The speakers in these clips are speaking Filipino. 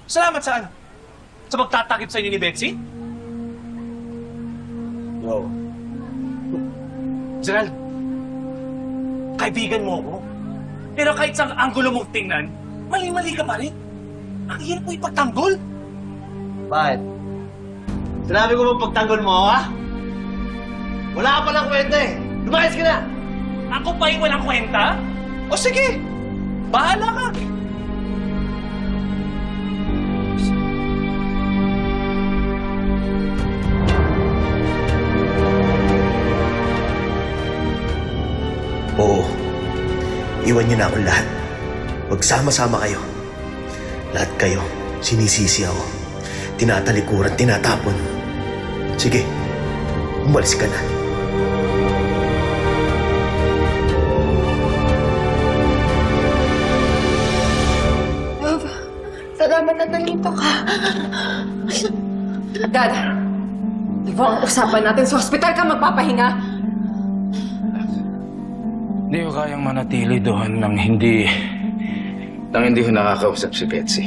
Salamat saan? Sa magtatakip sa inyo ni Betsy? No. Gerald, kaibigan mo ako. Pero kahit sa anggulo mong tingnan, mali-mali ka pa rin. Ang hirap mo ipagtanggol. Bakit? Sinabi ko bang pagtanggol mo ako, ha? Wala ka palang kwenta eh. Lumayas ka na! Ako pa yung walang kwenta? O sige, bahala ka. Oo. Iwan niyo na akong lahat. Magsama-sama kayo. Lahat kayo, sinisisi ako. Tinatalikuran, tinatapon. Sige, umalis ka na. Love, salamat na nandito ka. Dad, di ba ang usapan natin sa ospital ka magpapahinga? Hindi ko kayang manatili doon nang hindi ko nakakausap si Betsy.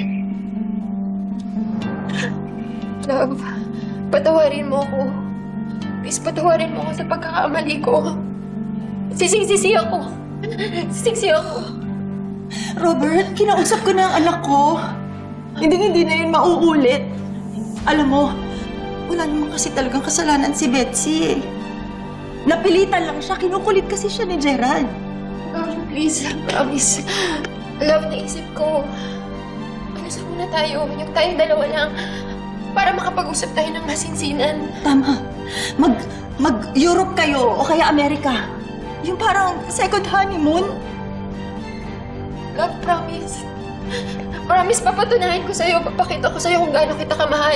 Love, patawarin mo ako. Please, patawarin mo ako sa pagkakamali ko. Sising-sisi ako. Sising-sisi ako. Robert, kinausap ko na ang anak ko. Hindi na yun mauulit. Alam mo, wala naman kasi talagang kasalanan si Betsy. Napilitan lang siya, kinukulit kasi siya ni Gerald. Love, please, promise. Love, naisip ko. Alas muna tayo. Yung tayong dalawa lang. Para makapag-usap tayo ng masinsinan. Tama. Mag-Europe kayo o kaya Amerika. Yung parang second honeymoon. Love, promise. Promise, papatunayan ko sa'yo. Papakita ko sa'yo kung gaano kita kamahal.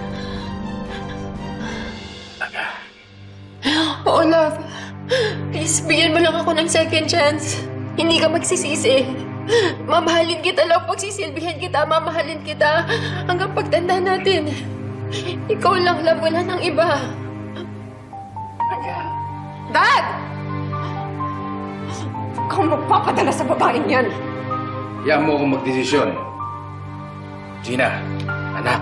Oo, love. Please, bigyan mo lang ako ng second chance. Hindi ka magsisisi. Mamahalin kita, love. Pagsisilbihan kita, mamahalin kita. Hanggang pagtanda natin. Ikaw lang, love. Wala nang iba. Dad! Huwag kang magpapadala sa babaeng yan. Hayaan mo akong magdesisyon. Gina, anak.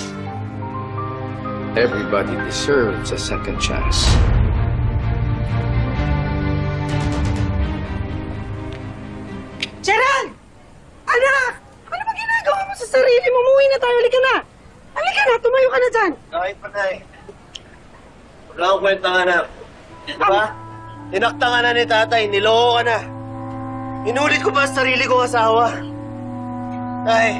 Everybody deserves a second chance. Gerald! Anak! Ano ba ginagawa mo sa sarili mo? Umuwi na tayo. Halika na! Halika na! Tumayo ka na dyan! Kahit pa na eh. Wala akong kwenta nga na. Diba? Tinakta ka na ni tatay, niloko ka na. Inulit ko pa sa sarili kong asawa. Tay,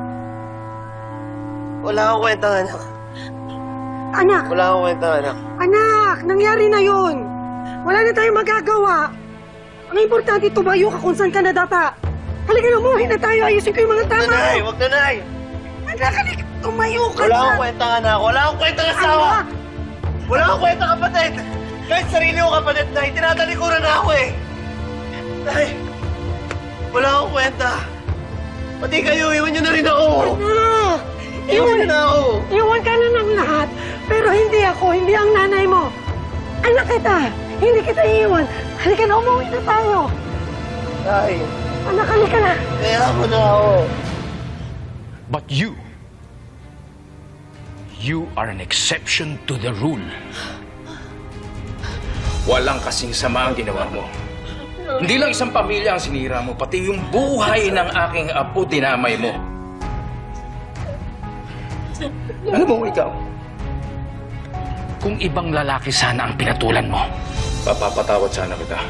wala akong kwenta nga na. Anak! Wala akong kwenta nga na. Anak! Nangyari na yon. Wala na tayong magagawa. Ang importante, tumayo ka kung saan ka na data. Halika na, umuwi na tayo. Ayusin ko yung mga tama. Nanay, wag na, Nay. Anak, halika. Tumayo ka Wala na. akong kwenta nga na. Wala akong kwenta asawa. Anak! Wala akong kwenta kapatid. Kahit sarili ko kapatid, Nay, tinatalikuran na ako eh. Nay, wala akong kwenta. Pati kayo, iwan niyo na rin ako. Anak! Iwan niyo na ako. Iwan ka na ng lahat. Pero hindi ako, hindi ang nanay mo. Anak kita. Hindi kita iiwan. Halika na, umuwi na tayo. Nay, Anak, halika na. kaya mo na ako. But you are an exception to the rule. Walang kasing sama ang ginawa mo. Hindi lang isang pamilya ang sinira mo, pati yung buhay ng aking apo dinamay mo. Ano mo ikaw? Kung ibang lalaki sana ang pinatulan mo, papapatawad sana kita.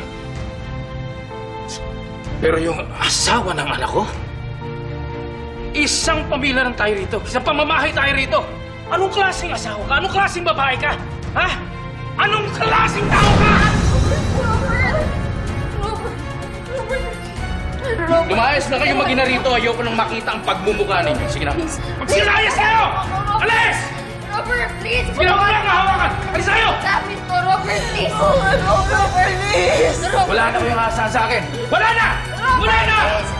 Pero yung asawa ng anak ko, isang pamilya lang tayo rito, isang pamamahay tayo rito. Anong klaseng asawa ka? Anong klaseng babae ka? Ha? Anong klaseng tao ka? Lumayas na kayo mag-ina rito. Ayoko nang makita ang pagmumukha ninyo. Sige na. Magsilayas kayo! Alis! Robert, please! Sige na, wala kang hawakan! Alis tayo! Lapit mo, Robert, please! Robert, please! Wala na kayong asa sa akin! Wala na! Wala na!